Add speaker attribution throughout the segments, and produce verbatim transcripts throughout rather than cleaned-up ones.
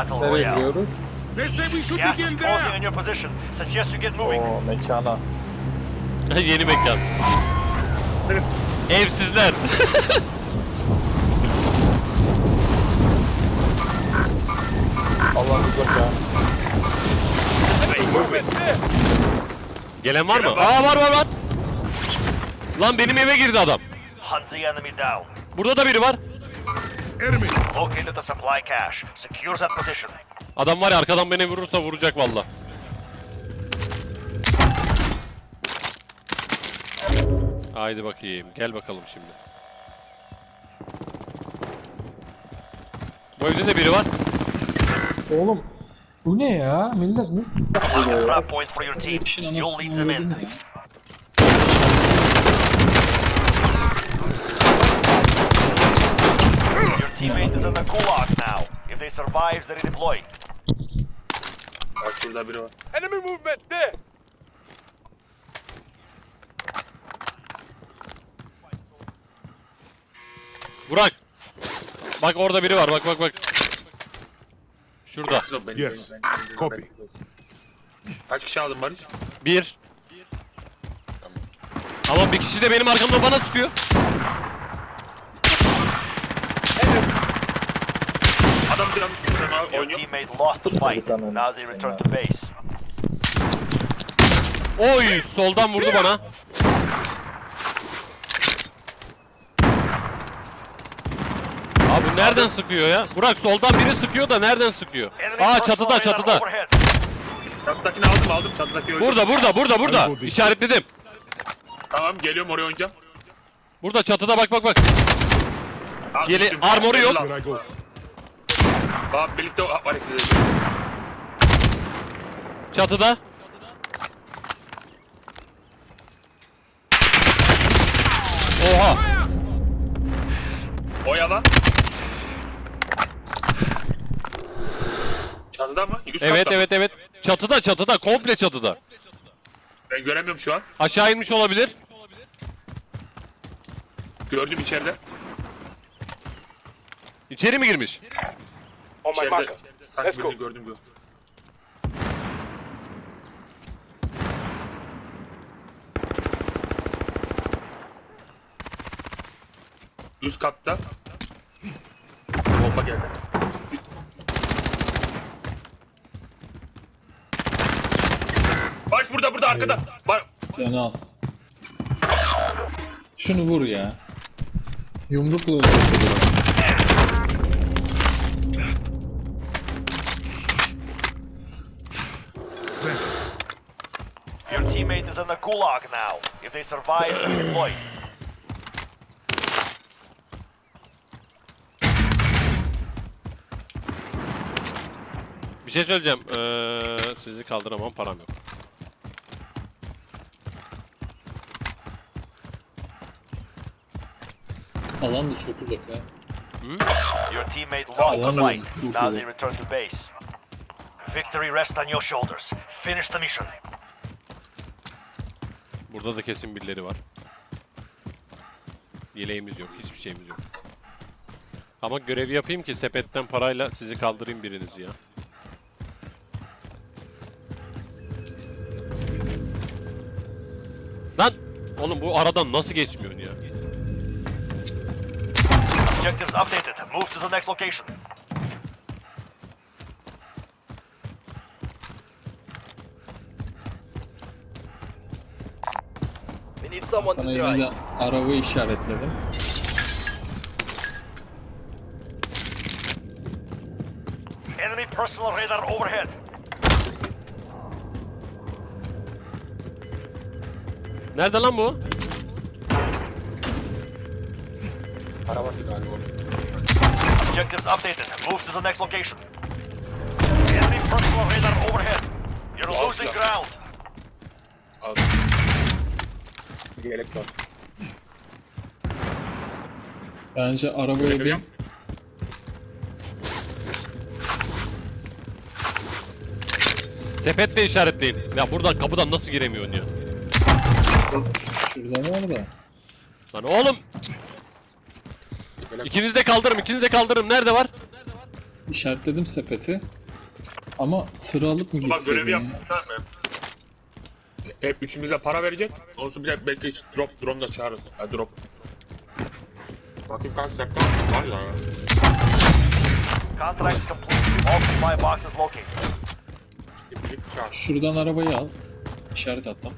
Speaker 1: Battle
Speaker 2: Nereye
Speaker 1: Royale.
Speaker 2: gidiyoruz?
Speaker 3: They say we should
Speaker 1: Gas is
Speaker 3: begin
Speaker 1: closing
Speaker 3: there.
Speaker 1: on your position. Suggest you get moving.
Speaker 2: O mekana.
Speaker 4: Yeni mekan. Evsizler.
Speaker 2: Allah uzak ya.
Speaker 4: Gelen var mı? Aa var var var. Lan benim eve girdi adam.
Speaker 1: Hunt the enemy down.
Speaker 4: Burada da biri var.
Speaker 3: Enemy.
Speaker 1: Located the supply cache. Secure that position.
Speaker 4: Adam var ya arkadan beni vurursa vuracak valla. Haydi bakayım. Gel bakalım şimdi. Bu evde de biri var.
Speaker 5: Oğlum bu ne ya? Millet ne?
Speaker 1: Mark a trap point for your team.
Speaker 5: İşin
Speaker 1: You'll lead
Speaker 5: anasını
Speaker 1: them
Speaker 5: öldürdün
Speaker 1: in.
Speaker 5: ya.
Speaker 1: Your teammate is in the gulag now. If they survive, they redeploy.
Speaker 6: Bak şurada biri var.
Speaker 3: Enemy movement there.
Speaker 4: Burak. Bak orada biri var. Bak bak bak. Şurada.
Speaker 6: Bensiz ol, benim,
Speaker 3: Yes.
Speaker 6: benim, benim, benim,
Speaker 3: Copy.
Speaker 6: bensiz olsun. Kaç kişi aldın Barış?
Speaker 4: Bir. Ama bir kişi de benim arkamdan bana sıkıyor.
Speaker 6: Adam bir an üstünden
Speaker 1: Your
Speaker 6: oynuyor.
Speaker 1: teammate lost the fight. Now they return to base.
Speaker 4: Oy soldan vurdu bana. Abi nereden sıkıyor ya? Burak soldan biri sıkıyor da nereden sıkıyor?
Speaker 1: Enemy
Speaker 4: Aa
Speaker 1: personal
Speaker 4: çatıda
Speaker 1: radar
Speaker 4: çatıda.
Speaker 1: overhead.
Speaker 6: Çatıdakini aldım aldım. Çatıdaki öldü.
Speaker 4: Burada burada burada burada. İşaretledim.
Speaker 6: Tamam geliyorum oraya oynayacağım.
Speaker 4: Burada çatıda bak bak bak.
Speaker 6: Al,
Speaker 4: Geli-
Speaker 6: düştüm.
Speaker 4: armoru yok.
Speaker 6: Gel
Speaker 3: Here I go.
Speaker 6: Bak birlikte hareket edelim.
Speaker 4: Çatıda. Oha.
Speaker 6: Oyala. Çatıda mı? Üst
Speaker 4: Evet
Speaker 6: katta mı?
Speaker 4: evet evet. Çatıda çatıda komple çatıda.
Speaker 6: Ben göremiyorum şu an.
Speaker 4: Aşağı inmiş olabilir.
Speaker 6: Gördüm içeride.
Speaker 4: İçeri mi girmiş?
Speaker 6: İçeride. Sanki birini gördüm gördüm. Üst katta. Bomba geldi. Bak burada burada arkada. Bak.
Speaker 5: Canı al. Şunu vur ya. Yumrukla öldürdü.
Speaker 1: Your teammate is in the gulag now. If they survive, they redeploy.
Speaker 4: Bir şey söyleyeceğim. Ee, sizi kaldıramam param yok.
Speaker 5: Alan da çok uzak ha.
Speaker 1: Your teammate lost the
Speaker 5: Alan da
Speaker 1: fight.
Speaker 5: çok
Speaker 1: Now
Speaker 5: uzak.
Speaker 1: they return to base. Victory rests on your shoulders. Finish the mission.
Speaker 4: Burada da kesin birileri var. Yeleğimiz yok, hiçbir şeyimiz yok. Ama görevi yapayım ki sepetten parayla sizi kaldırayım birinizi ya. Lan! Oğlum bu aradan nasıl geçmiyorsun ya?
Speaker 1: Objectives updated. Move to the next location. We need someone
Speaker 5: Sana yine de araba işaretledim.
Speaker 1: Enemy personal radar overhead.
Speaker 4: Nerede lan bu?
Speaker 1: Objectives updated. Move to the next location. Enemy personal radar overhead. You're
Speaker 6: Wow,
Speaker 1: losing
Speaker 6: yeah.
Speaker 1: ground.
Speaker 6: Aldım. Yelek bas.
Speaker 5: Bence arabaya bir
Speaker 6: Görüyorum.
Speaker 4: Sepetle işaretleyin. Ya buradan kapıdan nasıl giremiyorsun ya?
Speaker 5: şurada var da.
Speaker 4: Lan oğlum! İkiniz de kaldırırım, ikiniz de kaldırırım. Nerede var?
Speaker 5: işaretledim sepeti. Ama tırı alıp mı
Speaker 6: Bak
Speaker 5: gitseydin
Speaker 6: görevi
Speaker 5: ya?
Speaker 6: yapsan mı? Hep üçümüze para verecek. Olsun bir de belki hiç drop, drone da çağırırız. Ha drop. Bakayım kaç dakika var ya.
Speaker 1: Contract complete. All supply boxes located.
Speaker 6: Bir çağır.
Speaker 5: Şuradan arabayı al. İşaret attım.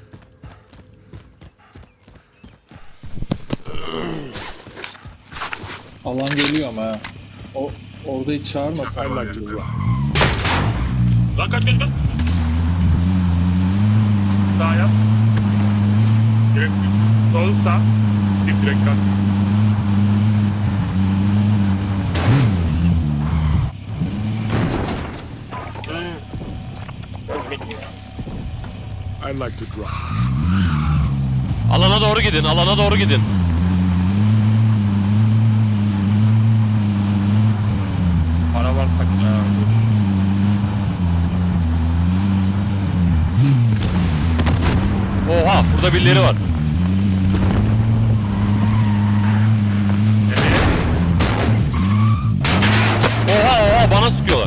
Speaker 5: Alan geliyor ama ha. O orada hiç çağırmasın.
Speaker 3: I like to drive.
Speaker 6: Lan kaç kaç kaç. Sağ yap. Direkt sol sağ. Bir direkt kalk.
Speaker 3: I like to drive.
Speaker 4: Alana doğru gidin, alana doğru gidin.
Speaker 6: Para var tak ya.
Speaker 4: Oha, burada birileri var. Oha oha, bana sıkıyorlar.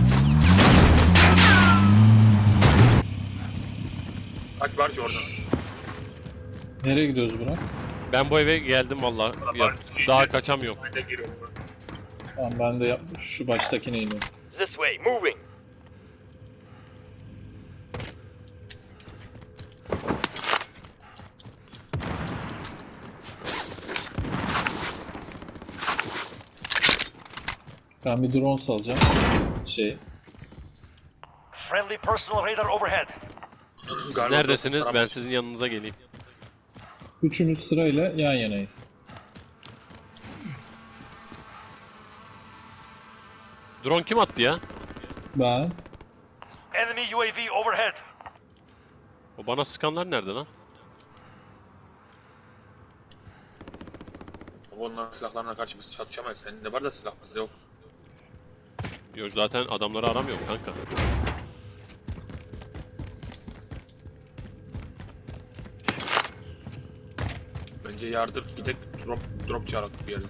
Speaker 6: Kaç var ki orada?
Speaker 5: Nereye gidiyoruz Burak?
Speaker 4: Ben bu eve geldim vallahi. Ya, daha kaçamıyorum.
Speaker 6: Ben de giriyorum.
Speaker 5: Tamam ben de yap şu baştakine iniyorum.
Speaker 1: This way, moving.
Speaker 5: Ben bir drone salacağım. Şey.
Speaker 1: Friendly personal radar overhead.
Speaker 6: Galiba
Speaker 4: Neredesiniz?
Speaker 6: drop-
Speaker 4: Ben sizin yanınıza geleyim.
Speaker 5: Üçümüz sırayla yan yanayız.
Speaker 4: Drone kim attı ya?
Speaker 5: Ben.
Speaker 1: Enemy U A V overhead.
Speaker 4: O bana sıkanlar nerede lan?
Speaker 6: Onların silahlarına karşı biz çatışamayız. Senin de var da silah bizde yok.
Speaker 4: Yok zaten adamları aramıyorum kanka.
Speaker 6: Bence yardır gidek drop drop çağırak bir yere.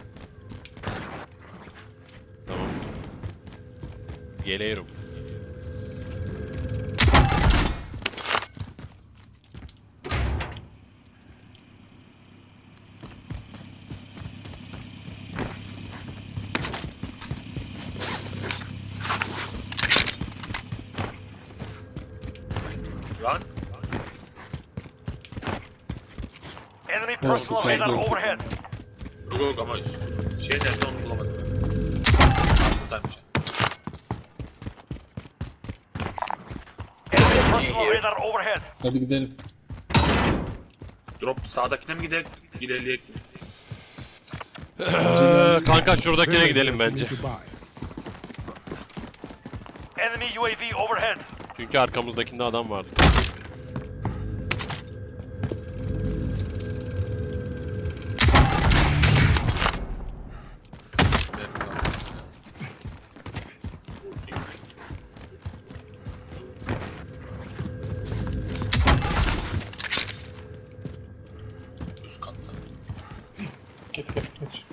Speaker 4: Tamam. Geliyorum.
Speaker 6: Lan
Speaker 1: Enemy personal
Speaker 5: okay,
Speaker 1: radar
Speaker 5: good.
Speaker 1: overhead.
Speaker 6: yok yok ama şu şey nerede onu bulamadım. Buradaymış.
Speaker 1: Enemy personal radar overhead.
Speaker 5: Hadi gidelim.
Speaker 6: Drop sağdakine mi gidelim? İlerleyek.
Speaker 4: Ee, kanka şuradakine gidelim bence.
Speaker 1: Enemy U A V overhead.
Speaker 4: Çünkü arkamızdakinde adam vardı.
Speaker 6: Üst katta.
Speaker 5: Git git git.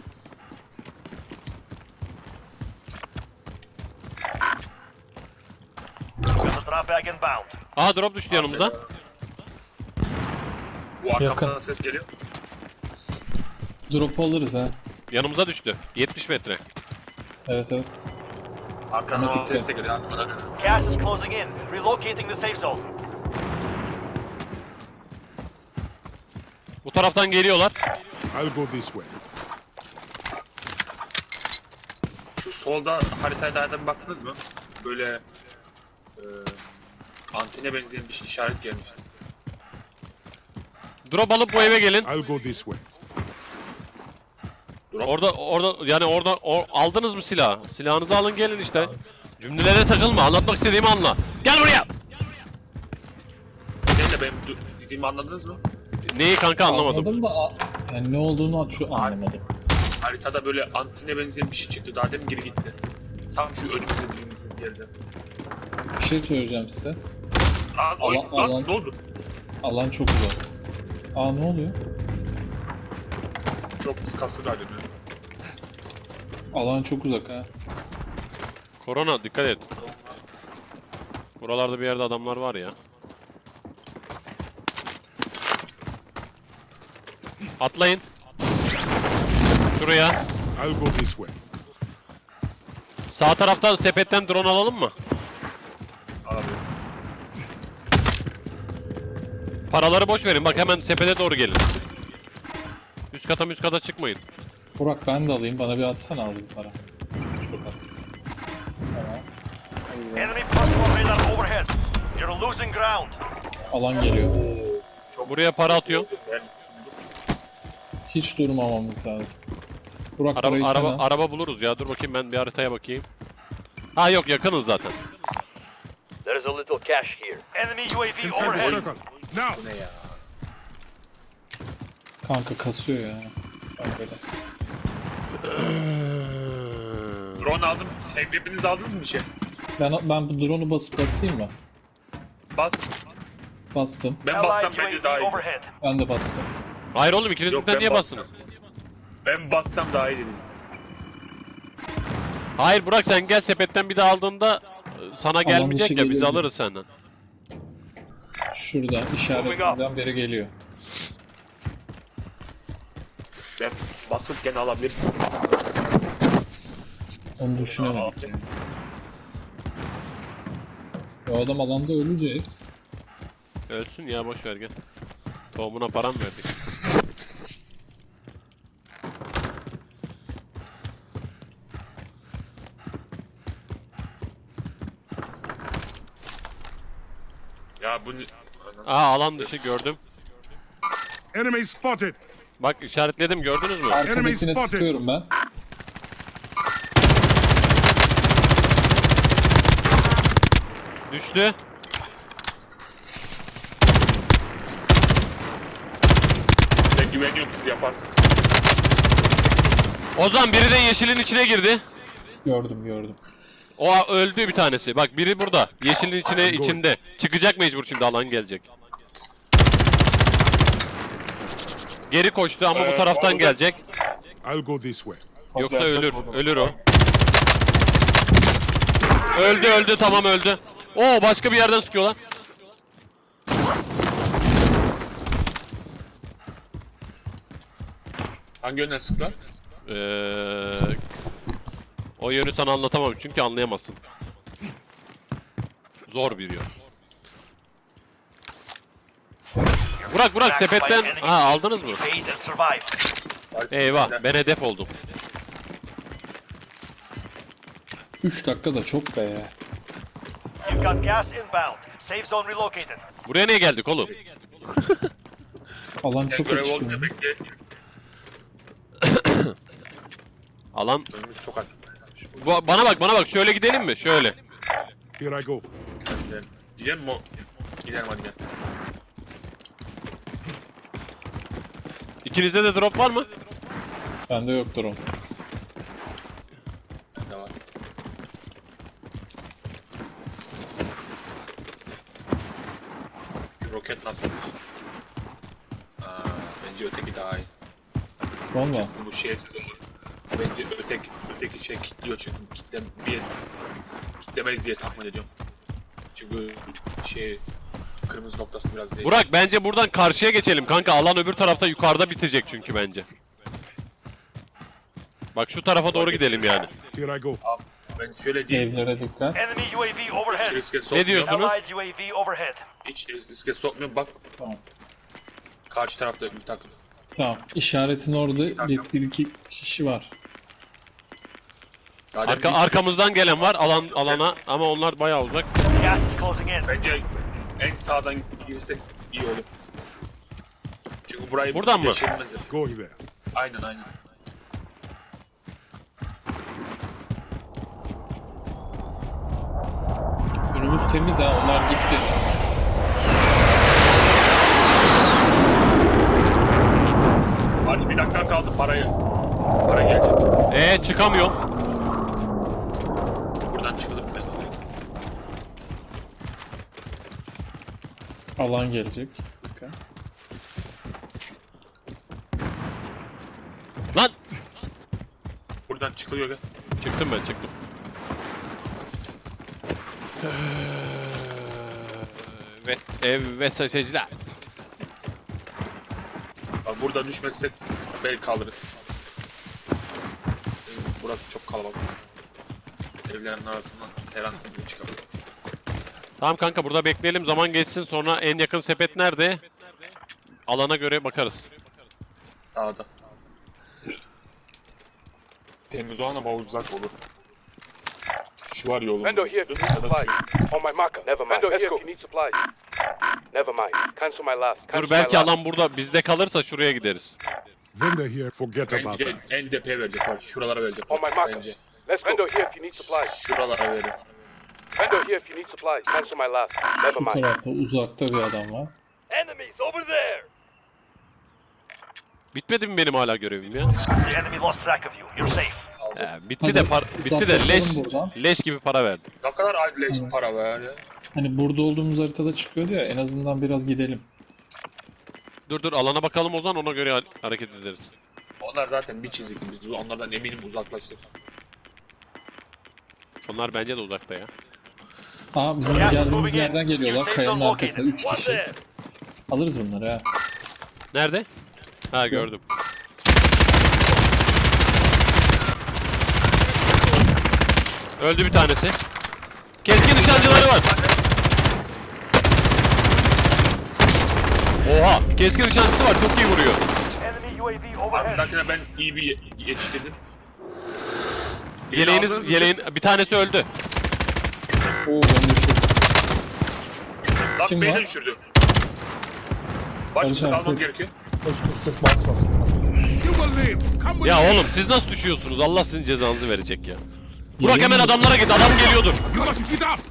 Speaker 1: Got the drop bag inbound.
Speaker 4: Aa drop düştü yanımıza.
Speaker 6: Bu arkamızdan
Speaker 5: Yakın.
Speaker 6: ses geliyor.
Speaker 5: Drop alırız ha.
Speaker 4: Yanımıza düştü. yetmiş metre.
Speaker 5: Evet evet.
Speaker 6: Arkamdan
Speaker 5: Ama
Speaker 6: ses de geliyor. Arkamdan.
Speaker 1: Gas is closing in. Relocating the safe zone.
Speaker 4: Bu taraftan geliyorlar.
Speaker 3: I'll go this way.
Speaker 6: Şu solda haritaya daha bir baktınız mı? Böyle e, antene benzeyen bir şey işaret gelmiş.
Speaker 4: Drop alıp bu eve gelin.
Speaker 3: I'll go this way.
Speaker 4: Orada orada yani orada or- aldınız mı silahı? Silahınızı alın gelin işte. Cümlelere takılma. Anlatmak istediğimi anla. Gel buraya.
Speaker 6: Neyse benim du- dediğimi anladınız mı?
Speaker 4: Neyi kanka anlamadım.
Speaker 5: Anladım da a- yani ne olduğunu şu anlamadım.
Speaker 6: Haritada böyle antene benzeyen bir şey çıktı. Daha demin geri gitti. Tam şu önümüzde dilimizin bir yerde.
Speaker 5: Bir şey söyleyeceğim size.
Speaker 6: Lan, oy,
Speaker 5: Alan-
Speaker 6: lan
Speaker 5: alan-
Speaker 6: ne oldu?
Speaker 5: Alan çok uzak. Aa ne oluyor?
Speaker 6: Çok kıskası da dedim.
Speaker 5: Alan çok uzak ha.
Speaker 4: Korona dikkat et. Buralarda bir yerde adamlar var ya. Atlayın. Şuraya.
Speaker 3: I'll go this way.
Speaker 4: Sağ taraftan sepetten drone alalım mı?
Speaker 6: Alamıyorum.
Speaker 4: Paraları boş verin. Bak hemen sepete doğru gelin. Üst kata üst kata çıkmayın.
Speaker 5: Burak ben de alayım. Bana bir atsana al bir para. Çok at. Tamam.
Speaker 1: Enemy personal radar overhead. You're losing ground.
Speaker 5: Alan geliyor.
Speaker 4: Buraya para atıyor.
Speaker 6: Ben
Speaker 5: Hiç durmamamız lazım. Burak
Speaker 4: Araba
Speaker 5: parayı
Speaker 4: araba
Speaker 5: sen al.
Speaker 4: araba buluruz ya. Dur bakayım ben bir haritaya bakayım. Ha yok yakınız zaten.
Speaker 7: There's a little cash here.
Speaker 1: Enemy U A V
Speaker 3: Inside the
Speaker 1: overhead.
Speaker 3: circle. Now.
Speaker 6: ne ya?
Speaker 5: Kanka kasıyor ya. Ben böyle.
Speaker 6: Drone aldım. Şey, hepiniz aldınız mı bir şey?
Speaker 5: Ben, ben bu drone'u basıp basayım mı?
Speaker 6: Bas.
Speaker 5: Bastım.
Speaker 6: Ben bassam
Speaker 1: Allied
Speaker 6: bence daha
Speaker 1: U A V
Speaker 6: iyi.
Speaker 1: overhead.
Speaker 5: Ben de bastım.
Speaker 4: Hayır oğlum ikiniz
Speaker 6: Yok,
Speaker 4: birden
Speaker 6: ben
Speaker 4: niye
Speaker 6: bassam.
Speaker 4: bastınız?
Speaker 6: Ben bassam daha iyi dedim.
Speaker 4: Hayır Burak sen gel sepetten bir de aldığında e, sana gelmeyecek
Speaker 5: dışı
Speaker 4: ya biz
Speaker 5: gelir.
Speaker 4: alırız senden.
Speaker 5: Şurada işaretimden biri geliyor.
Speaker 6: Ben basıp gene alabilirim.
Speaker 5: Onu düşünemedik yani. O adam alanda ölecek.
Speaker 4: Ölsün ya boş ver gel. Tohumuna param verdik.
Speaker 6: Ya bu...
Speaker 4: Aa alan dışı gördüm.
Speaker 3: Enemy spotted.
Speaker 4: Bak işaretledim gördünüz mü?
Speaker 5: Arkadakine
Speaker 3: spotted.
Speaker 5: sıkıyorum ben.
Speaker 4: Düştü.
Speaker 6: Ben güveniyorum siz yaparsınız.
Speaker 4: Ozan biri de yeşilin içine girdi.
Speaker 5: Gördüm gördüm.
Speaker 4: O öldü bir tanesi. Bak biri burada. Yeşilin içine içinde. Çıkacak mecbur şimdi alan gelecek. Geri koştu ama bu
Speaker 6: Ee,
Speaker 4: taraftan
Speaker 6: orada-
Speaker 4: gelecek.
Speaker 3: I'll go this way.
Speaker 4: Yoksa ölür. Ölür o. Öldü öldü tamam öldü. Oo başka bir yerden sıkıyorlar.
Speaker 6: Hangi yönden sıktılar?
Speaker 4: Ee, o yönü sana anlatamam çünkü anlayamazsın. Zor bir yön. Burak Burak sepetten ha aldınız mı?
Speaker 1: Evade and survive.
Speaker 4: Eyvah ben hedef oldum.
Speaker 5: üç dakika da çok be ya.
Speaker 1: You've got gas inbound. Safe zone relocated.
Speaker 4: Buraya niye geldik oğlum?
Speaker 5: Alan
Speaker 6: Ben
Speaker 5: çok
Speaker 6: görev
Speaker 5: açık.
Speaker 6: olmuyor bekle.
Speaker 4: Alan
Speaker 6: Önümüz çok açık.
Speaker 4: Bu- bana bak bana bak şöyle gidelim mi? Şöyle.
Speaker 3: Here I go.
Speaker 6: Gidelim. Gidelim mi o? Gidelim hadi gel.
Speaker 4: İkinizde de drop var mı?
Speaker 5: Bende yok drone.
Speaker 6: Ne var? Şu roket nasılmış? Aa, bence öteki daha iyi.
Speaker 5: Drone mu?
Speaker 6: Bu şeysiz olur. Bence öteki, öteki şey kilitliyor çünkü kitle bir kitlemeyiz diye tahmin ediyorum. Çünkü şey kırmızı noktası biraz değil.
Speaker 4: Burak bence buradan karşıya geçelim kanka. Alan öbür tarafta yukarıda bitecek çünkü bence. Bak şu tarafa doğru gidelim yani.
Speaker 3: Here I go.
Speaker 6: Abi, ben şöyle diyeyim.
Speaker 5: Evlere dikkat.
Speaker 1: Enemy U A V
Speaker 6: Hiç
Speaker 1: overhead.
Speaker 6: riske sokmuyorum.
Speaker 4: diyorsun?
Speaker 1: Allied U A V overhead.
Speaker 6: Hiç riske sokmuyorum. Bak
Speaker 5: Tamam.
Speaker 6: karşı tarafta bir takım.
Speaker 5: Tamam. İşaretin orada bir, bir iki kişi var.
Speaker 6: Daha demin
Speaker 4: Arka,
Speaker 6: hiç-
Speaker 4: arkamızdan gelen var alan alana ama onlar bayağı uzak.
Speaker 1: Gas is closing in.
Speaker 6: Bence en sağdan girsek iyi olur. Çünkü burayı
Speaker 4: Buradan mı?
Speaker 6: geçirmezler.
Speaker 3: Going there.
Speaker 6: Aynen aynen.
Speaker 5: Önümüz temiz ha. Onlar gitti.
Speaker 6: Aç bir dakika kaldı parayı. Para gelecek.
Speaker 4: Ee çıkamıyor.
Speaker 6: Buradan çıkılır ben.
Speaker 5: Alan gelecek. Dikkat.
Speaker 4: Lan
Speaker 6: Buradan çıkılıyor gel.
Speaker 4: çıktım ben çıktım. Evet, evet sayın seyirciler.
Speaker 6: Abi burada düşmezsek belki kalırız. Burası çok kalabalık. Evlerin arasından her an biri çıkabilir.
Speaker 4: Tamam kanka burada bekleyelim zaman geçsin sonra en yakın sepet nerede? Alana göre bakarız.
Speaker 6: Dağda. Temiz olan ama uzak olur. Şu var yolun
Speaker 8: Vendor here
Speaker 6: üstü
Speaker 8: if you need
Speaker 6: ya da
Speaker 8: supplies.
Speaker 6: şu.
Speaker 8: On my marker. Never mind. Vendor here if you need supplies. Never mind. Cancel my last. Cancel
Speaker 4: Dur belki
Speaker 8: my last.
Speaker 4: alan burada bizde kalırsa şuraya gideriz.
Speaker 3: Vendor here, forget about
Speaker 6: Bence
Speaker 3: that.
Speaker 6: en tepeye verecek bak. Şuralara verecek.
Speaker 8: On my marker.
Speaker 6: Bence.
Speaker 8: Let's go. Vendor here if you need supplies.
Speaker 6: Şuralara verir.
Speaker 8: Vendor here if you need supplies. Cancel my last. Never
Speaker 5: Bu
Speaker 8: mind.
Speaker 5: tarafta uzakta bir adam var.
Speaker 7: Enemies over there!
Speaker 4: Bitmedi mi benim hala görevim ya?
Speaker 1: The enemy lost track of you. You're safe.
Speaker 4: He, bitti de par bitti de leş leş gibi para verdim.
Speaker 6: Ne kadar adleş para ver ya.
Speaker 5: Hani burada olduğumuz haritada çıkıyordu ya en azından biraz gidelim.
Speaker 4: Dur dur alana bakalım o zaman ona göre ha- hareket ederiz.
Speaker 6: Onlar zaten bir çizik. Biz onlardan eminim uzaklaştık.
Speaker 4: Onlar bence de uzakta ya.
Speaker 5: Aa bizim
Speaker 1: Gas is
Speaker 5: geldiğimiz
Speaker 1: moving in.
Speaker 5: yerden geliyorlar.
Speaker 1: Your safe
Speaker 5: Kayanın
Speaker 1: zone
Speaker 5: arkasında
Speaker 1: located.
Speaker 5: üç
Speaker 7: One
Speaker 5: kişi.
Speaker 7: there!
Speaker 5: Alırız bunları ha.
Speaker 4: Nerede? Ha gördüm. Öldü bir tanesi. Keskin nişancıları var. Oha, keskin nişancısı var. Çok iyi vuruyor.
Speaker 1: Enemy U A V overhead.
Speaker 6: Ardındakine ben iyi bir ye- yetiştirdim. Beni
Speaker 4: Yeleğiniz,
Speaker 6: aldınız mı
Speaker 4: yeleğin
Speaker 6: siz?
Speaker 4: bir tanesi öldü.
Speaker 5: Oo ben düşürdüm.
Speaker 6: Bak
Speaker 5: Kim
Speaker 6: beni
Speaker 5: var?
Speaker 6: de düşürdü. Başkası
Speaker 5: Barış abi,
Speaker 6: kalmam
Speaker 5: dur.
Speaker 6: gerekiyor.
Speaker 2: Koş koş koş basmasın.
Speaker 3: You will live. Come with
Speaker 4: Ya
Speaker 3: me.
Speaker 4: oğlum siz nasıl düşüyorsunuz? Allah sizin cezanızı verecek ya. Burak hemen adamlara git. Adam geliyordur.
Speaker 3: You must get up.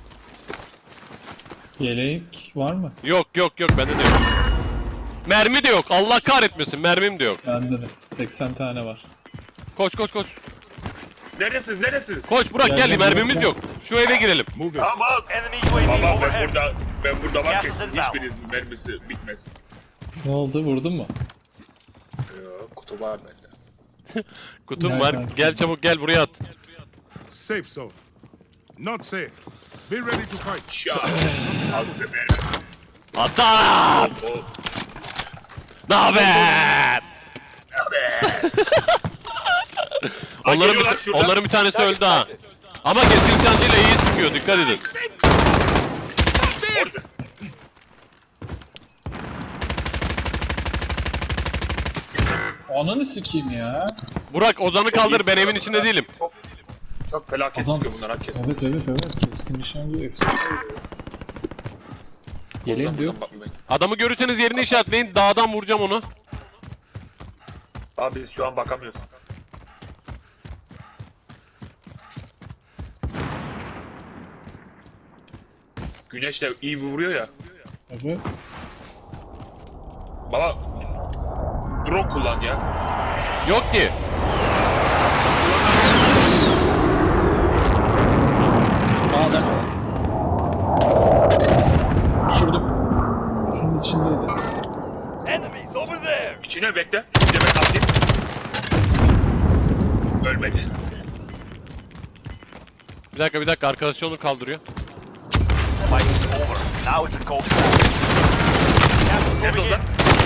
Speaker 5: Yelek var mı?
Speaker 4: Yok yok yok bende de yok. Mermi de yok. Allah kahretmesin. Mermim de yok.
Speaker 5: Bende de. seksen tane var.
Speaker 4: Koş koş koş.
Speaker 6: Neresiniz neresiniz?
Speaker 4: Koş Burak
Speaker 5: Gel,
Speaker 4: gel.
Speaker 5: gel,
Speaker 4: Mermimiz
Speaker 5: gel.
Speaker 4: yok. Şu eve girelim.
Speaker 3: Move it.
Speaker 6: Tamam.
Speaker 1: Enemy U A V
Speaker 6: Baba ben
Speaker 1: overhead.
Speaker 6: burada ben burada varken
Speaker 1: Gas is
Speaker 6: sizin
Speaker 1: inbound.
Speaker 6: hiçbirinizin mermisi bitmez.
Speaker 5: Ne oldu vurdun mu?
Speaker 6: Yok, kutu var bende.
Speaker 4: Kutum
Speaker 5: Gel
Speaker 4: var.
Speaker 5: kanka.
Speaker 4: Gel çabuk gel buraya at.
Speaker 3: Safe zone. Not safe. Be ready to fight.
Speaker 6: Şah. Al size mermi.
Speaker 4: Adam!
Speaker 6: O
Speaker 4: Ne haber? onların,
Speaker 6: geliyorlar
Speaker 4: bir,
Speaker 6: şuradan.
Speaker 4: onların bir tanesi öldü ha. Ama keskin nişancıyla iyi sıkıyor. Dikkat edin.
Speaker 6: orada.
Speaker 5: Ananı sikeyim ya.
Speaker 4: Burak Ozan'ı
Speaker 6: Çok
Speaker 4: kaldır.
Speaker 6: iyi
Speaker 4: Ben evin
Speaker 6: sıkıyor
Speaker 4: içinde
Speaker 6: bunlar.
Speaker 4: değilim.
Speaker 6: Çok, çok felaket
Speaker 5: Adam-
Speaker 6: sıkıyor bunlar herkes.
Speaker 5: Evet evet evet. Keskin nişancı hepsi. Yeleğim de yok.
Speaker 4: Adamı görürseniz yerini işaretleyin. Dağdan vuracağım onu.
Speaker 6: Abi biz şu an bakamıyoruz. Güneş de iyi vuruyor ya.
Speaker 5: Evet.
Speaker 6: Baba drone kullan ya.
Speaker 4: Yok ki.
Speaker 5: Aa adam. Düşürdüm. Şunun içindeydi.
Speaker 7: Enemies over there!
Speaker 6: İçine bekle. Bir de ben atayım. Ölmedi.
Speaker 4: Bir dakika bir dakika. Arkadaşı onu kaldırıyor.
Speaker 1: Fight is over. Now it's a cold war. Gas is
Speaker 6: Nerede
Speaker 1: moving
Speaker 6: o lan?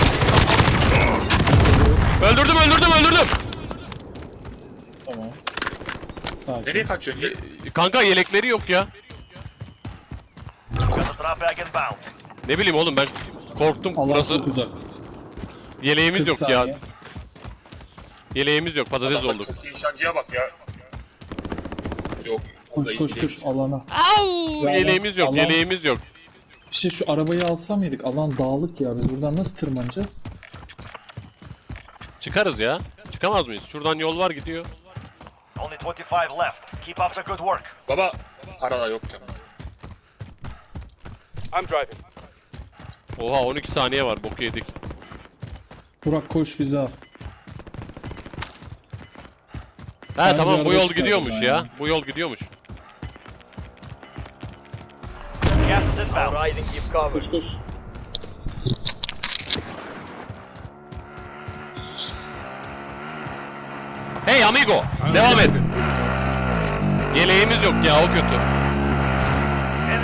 Speaker 1: in.
Speaker 4: Öldürdüm öldürdüm öldürdüm.
Speaker 5: Tamam. Sakin.
Speaker 6: Nereye kaçıyorsun? Ye-
Speaker 4: Kanka yelekleri yok ya.
Speaker 1: Got the drop bag inbound.
Speaker 4: Ne bileyim oğlum ben korktum.
Speaker 5: Allah
Speaker 4: Burası
Speaker 5: çok uzak.
Speaker 4: yeleğimiz
Speaker 5: kırk
Speaker 4: yok ya.
Speaker 5: saniye.
Speaker 4: Yeleğimiz yok. Patates
Speaker 6: Bak, bak,
Speaker 4: olduk.
Speaker 6: keskin nişancıya bak ya. Yok.
Speaker 5: Koş
Speaker 6: orada
Speaker 5: koş
Speaker 6: iyi
Speaker 5: koş
Speaker 6: değil.
Speaker 5: alana.
Speaker 4: Au!
Speaker 5: Ya
Speaker 4: Yeleğimiz yok.
Speaker 5: Allah-
Speaker 4: Yeleğimiz yok.
Speaker 5: Bir şey şu arabayı alsam mıydık? Alan dağlık ya. Biz buradan nasıl tırmanacağız?
Speaker 4: Çıkarız ya. Çıkamaz mıyız? Şuradan yol var gidiyor.
Speaker 1: Only twenty-five left. Keep up the good work.
Speaker 6: Baba para da yok ya.
Speaker 8: I'm driving.
Speaker 4: Oha on iki saniye var. Boku yedik.
Speaker 5: Burak koş bizi al.
Speaker 4: Ha
Speaker 5: Bence
Speaker 4: tamam bu
Speaker 5: araba
Speaker 4: yol
Speaker 5: çıkardım
Speaker 4: gidiyormuş
Speaker 5: ben
Speaker 4: ya.
Speaker 5: ya.
Speaker 4: Bu yol gidiyormuş.
Speaker 1: Gas is inbound.
Speaker 7: Riding keep cover.
Speaker 5: Koş koş.
Speaker 4: Hey amigo. Devam et. Yeleğimiz yok ya o kötü.
Speaker 1: Enemy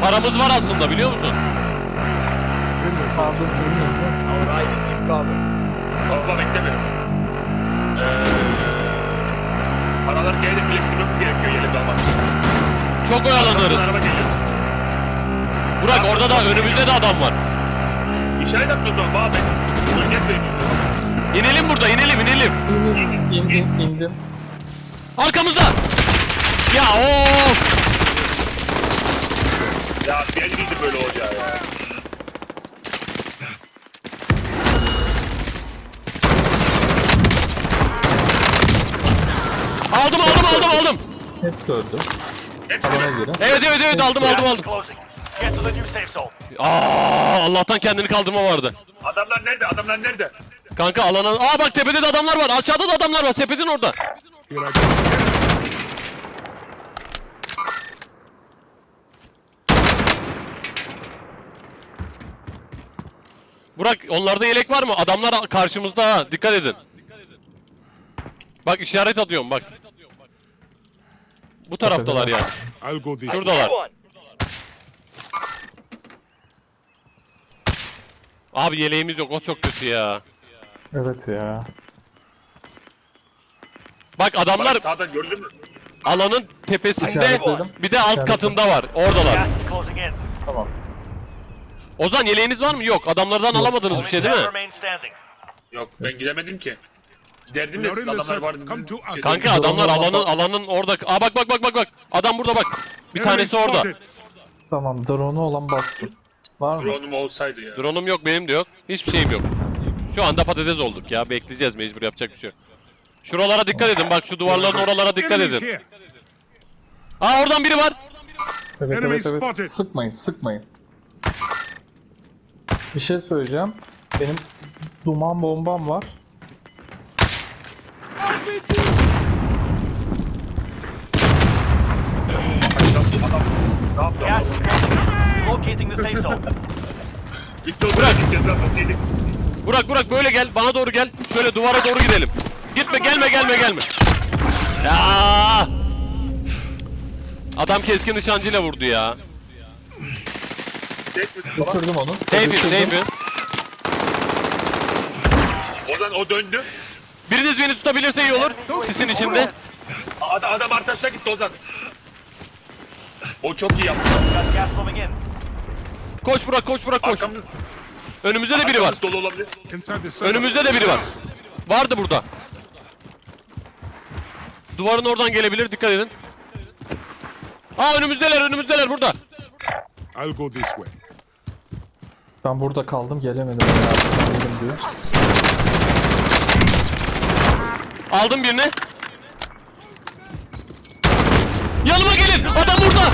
Speaker 4: Paramız var aslında, biliyor musun?
Speaker 5: Aldım bilmiyorum.
Speaker 7: Our eyes keep cover.
Speaker 6: Baba bekleme. Eee... Paraları gelip birleştirmemiz gerekiyor yerinde almak için.
Speaker 4: Çok oyalanırız.
Speaker 6: Araba geliyor.
Speaker 4: Burak orada da önümüzde de adam var.
Speaker 6: İşaret atmıyoruz ama baba ben. Bölge etmeyin
Speaker 4: İnelim burada, inelim inelim.
Speaker 5: İndim, indim, indim.
Speaker 4: Arkamızda. Ya of.
Speaker 6: Ya belliydi böyle olacağı ya.
Speaker 4: Aldım aldım aldım aldım.
Speaker 5: Hep gördüm.
Speaker 6: Hepsini.
Speaker 5: Bana göre.
Speaker 4: Evet evet evet aldım aldım
Speaker 1: Gas is
Speaker 4: aldım.
Speaker 1: closing. Get to the new safe zone.
Speaker 4: Aa, Allah'tan kendini kaldırma vardı.
Speaker 6: Adamlar nerede? Adamlar nerede?
Speaker 4: Kanka alana... Aa bak tepede de adamlar var. Aşağıda da adamlar var. Sepetin orada.
Speaker 3: Here I go.
Speaker 4: Burak onlarda yelek var mı? Adamlar karşımızda ha. Dikkat edin. Bak işaret atıyorum bak. Bu taraftalar yani.
Speaker 3: I'll go this way.
Speaker 4: Şuradalar.
Speaker 7: One.
Speaker 4: Abi yeleğimiz yok. O çok kötü ya.
Speaker 5: Evet ya.
Speaker 4: Bak adamlar
Speaker 6: Bak sağdan gördün mü?
Speaker 4: alanın tepesinde
Speaker 5: İşaretledim.
Speaker 4: bir de alt katında var. Oradalar.
Speaker 1: Gas is closing in.
Speaker 5: Tamam.
Speaker 4: Ozan yeleğiniz var mı? Yok. Adamlardan alamadınız bir
Speaker 1: Only
Speaker 4: şey değil
Speaker 1: ten
Speaker 4: mi?
Speaker 1: remain standing.
Speaker 6: Yok ben gidemedim ki. Giderdim
Speaker 3: We
Speaker 6: de
Speaker 3: are
Speaker 6: siz
Speaker 3: in the
Speaker 6: adamlar
Speaker 3: circle.
Speaker 6: vardı.
Speaker 3: Come to us.
Speaker 4: Kanka adamlar alanın alanın orada. Aa bak bak bak bak bak. Adam burada bak. Bir
Speaker 3: Enemy
Speaker 4: tanesi orada.
Speaker 3: spotted.
Speaker 5: Tamam, drone'u olan bassın. Var mı?
Speaker 6: Drone'um olsaydı ya.
Speaker 4: Drone'um yok, benim de yok. Hiçbir şeyim yok. Şu anda patates olduk ya. Bekleyeceğiz, mecbur, yapacak bir şey yok. Şuralara dikkat edin. Bak şu duvarların oralara dikkat
Speaker 3: Enemies
Speaker 4: edin.
Speaker 3: here.
Speaker 4: Aa oradan biri var.
Speaker 5: Evet
Speaker 3: Enemy
Speaker 5: evet evet.
Speaker 3: spotted.
Speaker 5: Sıkmayın, sıkmayın. Bir şey söyleyeceğim. Benim duman bombam var.
Speaker 1: Gas is closing. Locating the safe zone.
Speaker 6: Biz de oraya gideceğiz zaten dedik.
Speaker 4: Burak Burak böyle gel. Bana doğru gel. Şöyle duvara doğru gidelim. Gitme, gelme gelme gelme. Ya! Adam keskin nişancıyla vurdu ya.
Speaker 6: Tek misin baba?
Speaker 5: Düşürdüm onu.
Speaker 4: Safe'im
Speaker 5: Düşürdüm.
Speaker 4: safe'im.
Speaker 6: Ozan o döndü.
Speaker 4: Biriniz beni tutabilirse iyi olur. Sisin içinde.
Speaker 6: Adam, adam arkadaşlar gitti Ozan. O çok iyi yaptı.
Speaker 1: Got gas moving in.
Speaker 4: Koş Burak koş Burak koş.
Speaker 6: Arkamız,
Speaker 4: Önümüzde de biri var.
Speaker 6: arkamız dolu olabilir.
Speaker 3: Inside the circle.
Speaker 4: Önümüzde de biri var. Vardı burada. Duvarın oradan gelebilir, dikkat edin. Aa önümüzdeler önümüzdeler burada.
Speaker 3: I'll go this way.
Speaker 5: Ben burada kaldım, gelemedim. Yardım diyor.
Speaker 4: Aldım birini. Yanıma gelin. Adam burada.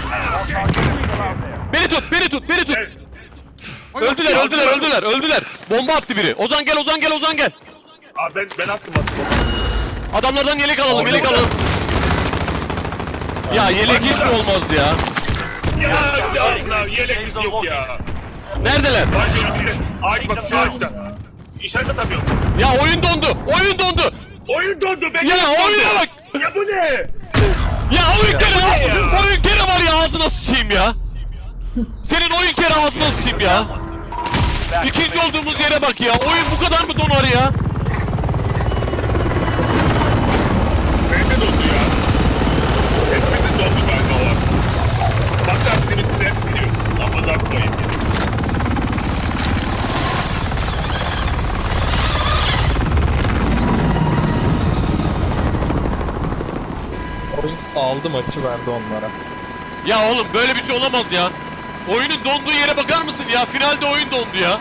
Speaker 4: Beni tut, beni tut, beni tut.
Speaker 6: Evet.
Speaker 4: Öldüler, öldüler, öldüler, öldüler. Bomba attı biri. Ozan gel, Ozan gel, Ozan gel.
Speaker 6: Abi ben, ben attım aslında.
Speaker 4: Adamlardan yelek alalım, yelek
Speaker 6: Orada.
Speaker 4: alalım. Ya yelek hiç mi olmaz ya?
Speaker 6: Ya ya yeleğimiz yok ya.
Speaker 4: Neredeler?
Speaker 6: Bence önümüzde. Ağaç bak şu ağaçta. İşaret atamıyorum.
Speaker 4: Ya oyun dondu, oyun dondu.
Speaker 6: Oyun dondu ben.
Speaker 4: Ya oyuna bak.
Speaker 6: Ya bu ne?
Speaker 4: Ya oyun kere,
Speaker 6: ne ya?
Speaker 4: oyun kere var ya, ağzına sıçayım ya. Senin oyun kere ağzına sıçayım ya. İkinci olduğumuz yere bak ya. Oyun bu kadar mı donar ya?
Speaker 6: Ben de dondu ya. Hepimizin dondu galiba o an. Baksana bizim üstünde hepsini yok. Ama da koyayım.
Speaker 5: Oyun aldı maçı, verdi onlara.
Speaker 4: Ya oğlum böyle bir şey olamaz ya. Oyunun donduğu yere bakar mısın ya? Finalde oyun dondu ya.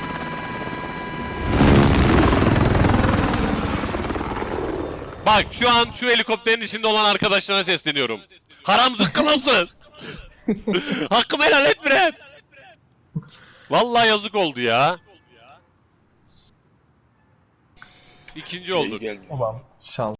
Speaker 4: Bak şu an şu helikopterin içinde olan arkadaşlarına sesleniyorum. Haram zıkkı mısın? Hakkımı helal et bre. Vallahi yazık oldu ya. İkinci olduk.
Speaker 6: İyi geldi.
Speaker 5: Tamam. Şans.